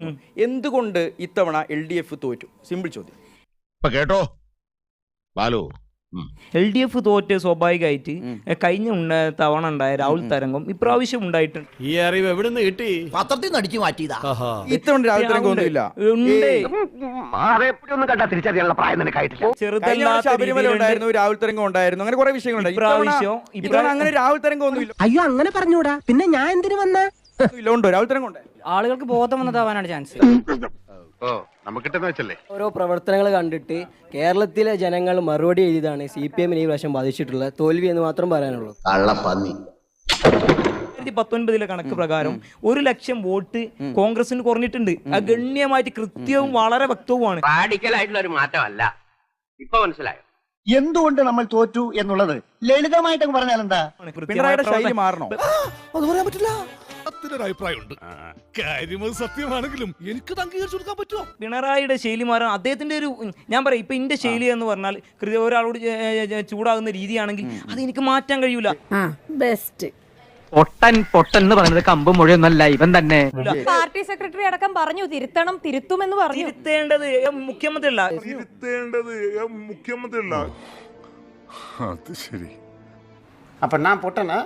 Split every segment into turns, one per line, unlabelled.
എന്തുകൊണ്ട് ഇത്തവണ LDF തോറ്റു? സിമ്പിൾ ചോദ്യം.
കേട്ടോ ബാലു,
LDF തോറ്റ് സ്വാഭാവികമായിട്ട് കഴിഞ്ഞ തവണ ഉണ്ടായ രാഹുൽ തരംഗം ഇപ്രാവശ്യം ഉണ്ടായിട്ടുണ്ട്.
ഈ അറിവ് എവിടെ നിന്ന് കിട്ടി?
പത്രത്തിൽ നിന്ന് അടിച്ചു മാറ്റിയതാ.
ഇത്തവണ രാഹുൽ തരംഗം ഒന്നുമില്ല. ശബരിമല ഉണ്ടായിരുന്നു, രാഹുൽ തരംഗം ഉണ്ടായിരുന്നു, അങ്ങനെ കുറെ വിഷയങ്ങളുണ്ടായിരുന്നു. അങ്ങനെ രാഹുൽ തരംഗം ഒന്നുമില്ല.
അയ്യോ അങ്ങനെ പറഞ്ഞൂടാ, പിന്നെ ഞാൻ എന്തിനു വന്ന
ഉണ്ടോ രാഹുൽ തരംഗം ഉണ്ട്?
ആളുകൾക്ക് ബോധം വന്നതാവാനാണ് ചാൻസ്.
ഓരോ പ്രവർത്തനങ്ങൾ കണ്ടിട്ട് കേരളത്തിലെ ജനങ്ങൾ മറുപടി എഴുതിയതാണ് CPM ഈ പ്രാവശ്യം ബാധിച്ചിട്ടുള്ള തോൽവി എന്ന് മാത്രം പറയാനുള്ളൂ.
2019 കണക്ക് പ്രകാരം 1 ലക്ഷം വോട്ട് കോൺഗ്രസിന് കുറഞ്ഞിട്ടുണ്ട്. അത് ഗണ്യമായിട്ട് കൃത്യവും വളരെ വ്യക്തവുമാണ്.
റാഡിക്കലായിട്ടുള്ള ഒരു മാറ്റമല്ല. ഇപ്പൊ മനസ്സിലായോ
എന്തുകൊണ്ട് നമ്മൾ തോറ്റു എന്നുള്ളത്? ലളിതമായിട്ട് പറഞ്ഞാൽ എന്താ?
പിണറായിയുടെ ശൈലി മാറണോ?
അത് പറയാൻ പറ്റില്ല.
അഭിപ്രായമുണ്ട്. കാര്യം സത്യമാണെങ്കിലും എനിക്ക് അംഗീകരിച്ചു കൊടുക്കാൻ പറ്റുമോ?
പിണറായിയുടെ ശൈലി മാറാൻ അദ്ദേഹത്തിന്റെ ഒരു, ഞാൻ പറയാം, ഇപ്പൊ എന്റെ ശൈലി എന്ന് പറഞ്ഞാൽ ഒരാളോട് ചൂടാകുന്ന രീതിയാണെങ്കിൽ അത് എനിക്ക് മാറ്റാൻ കഴിയൂല.
ബെസ്റ്റ്
പൊട്ടൻ എന്ന് പറയുന്നത് കമ്പ് മുഴുവനല്ല, ഇവൻ തന്നെ.
പാർട്ടി സെക്രട്ടറി അടക്കം പറഞ്ഞു തിരുത്തുമെന്ന് പറഞ്ഞു.
തിരുത്തേണ്ടത് മുഖ്യമന്ത്രി അല്ല.
അത് ശരി.
അപ്പൊ ഞാൻ പൊട്ടനാ?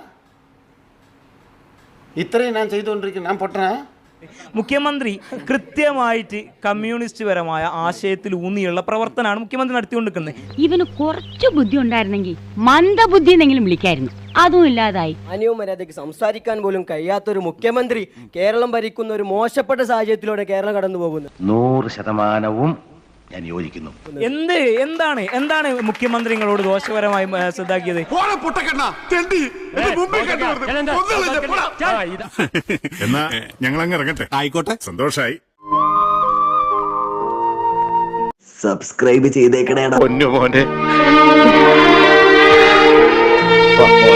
ഇത്രയും ഞാൻ ചെയ്തുകൊണ്ടിരിക്കുന്നു, ഞാൻ പൊട്ടനാ?
മുഖ്യമന്ത്രി കൃത്യമായിട്ട് കമ്മ്യൂണിസ്റ്റ് പരമായ ആശയത്തിൽ ഊന്നിയുള്ള പ്രവർത്തനമാണ് മുഖ്യമന്ത്രി നടത്തിക്കൊണ്ടിരിക്കുന്നത്.
ഇവന് കുറച്ചു ബുദ്ധി ഉണ്ടായിരുന്നെങ്കിൽ മന്ദബുദ്ധി എന്നെങ്കിലും വിളിക്കായിരുന്നു. അതും ഇല്ലാതായി.
മാന്യവും മര്യാദയ്ക്ക് സംസാരിക്കാൻ പോലും കഴിയാത്തൊരു മുഖ്യമന്ത്രി കേരളം ഭരിക്കുന്ന ഒരു മോശപ്പെട്ട സാഹചര്യത്തിലൂടെ കേരളം കടന്നു പോകുന്നു.
100% ഞാൻ യോജിക്കുന്നു.
എന്താണ് മുഖ്യമന്ത്രിങ്ങളോട് ദോഷപരമായി ശ്രദ്ധാക്കിയത്?
എന്നാ ഞങ്ങൾ അങ്ങ് ഇറങ്ങട്ടെ. ആയിക്കോട്ടെ, സന്തോഷായി.
സബ്സ്ക്രൈബ് ചെയ്തേക്കണേടാ
പൊന്നു മോനെ.